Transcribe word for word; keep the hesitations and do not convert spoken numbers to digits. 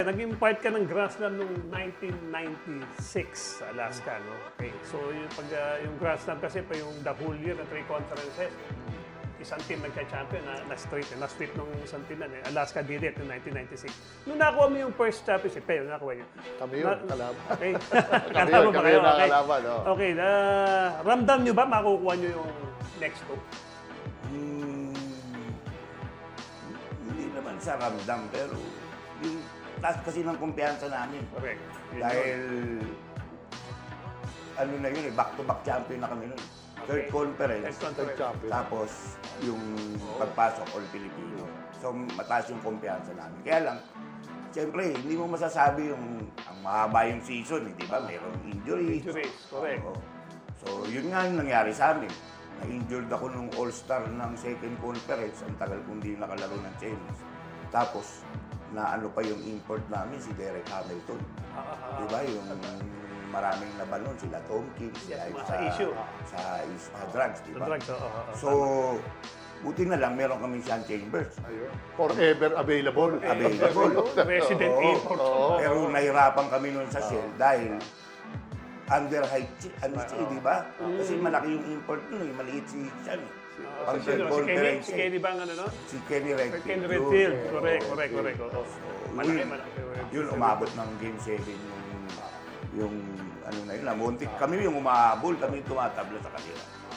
naging part ka ng Grand Slam noong nineteen ninety-six sa Alaska, no? Okay. So, yung, pag, uh, yung Grand Slam kasi pa yung the whole year na three conferences, isang team nagka-champion, na, na-straight, na-sweep nung isang team na, eh. Alaska did it in nineteen ninety-six. Nung nakuha mo yung first championship, kayo, nakuha yun. Kami yun, kalaban. Okay. Kami yun, Kalama ba kami kayo? yun Okay. nakakalaban. Oh. Okay, uh, ramdam nyo ba makukuha nyo yung next two? Hmm, hindi naman sa ramdam, pero yung taas kasi ng kumpiyansa namin. Correct. Yun Dahil, yun. ano na yun eh, back-to-back champion na kami nun. Third Okay. conference, Next one, Third correct. champion. tapos yung pagpasok all Filipino. So, mataas yung kumpiyansa namin. Kaya lang, siyempre, hindi mo masasabi yung ang mahaba yung season, eh, di ba? Mayroong injuries. Injuries, correct. Oo. So, yun nga yung nangyari sa amin. Na-injured ako nung All-Star ng second conference. Ang tagal kong di nakalaro ng tennis. Tapos, na ano pa yung import namin, si Derek Hamilton. Ah, ah, ah. Di ba? Yung maraming laban nun, sila Tom King, sila Yes, sa, sa issue. sa is- ah, drugs, di The ba? drugs, oo. oo, oo. So, buti na lang meron kaming Sean Chambers. Ayun. Forever available. Available. Resident Oo. import. Oo. Pero nahirapan kami nun sa Shell dahil under height, si- ano siya, di ba? Kasi malaki yung import nun eh, maliit si Sean. eh. Ah, Pang si, sino? si Kenny, conference si eh. Kenny ba ang ano, no? Si Kenny Redfield. Kenny Yun. Redfield. Oo. Correct, correct, correct. Oo. Malaki, Yun, malaki. yun, umabot ng game seven yung, yung ano na yun, namuntik. Kami yung umahabol, kami yung tumatabla sa kanila.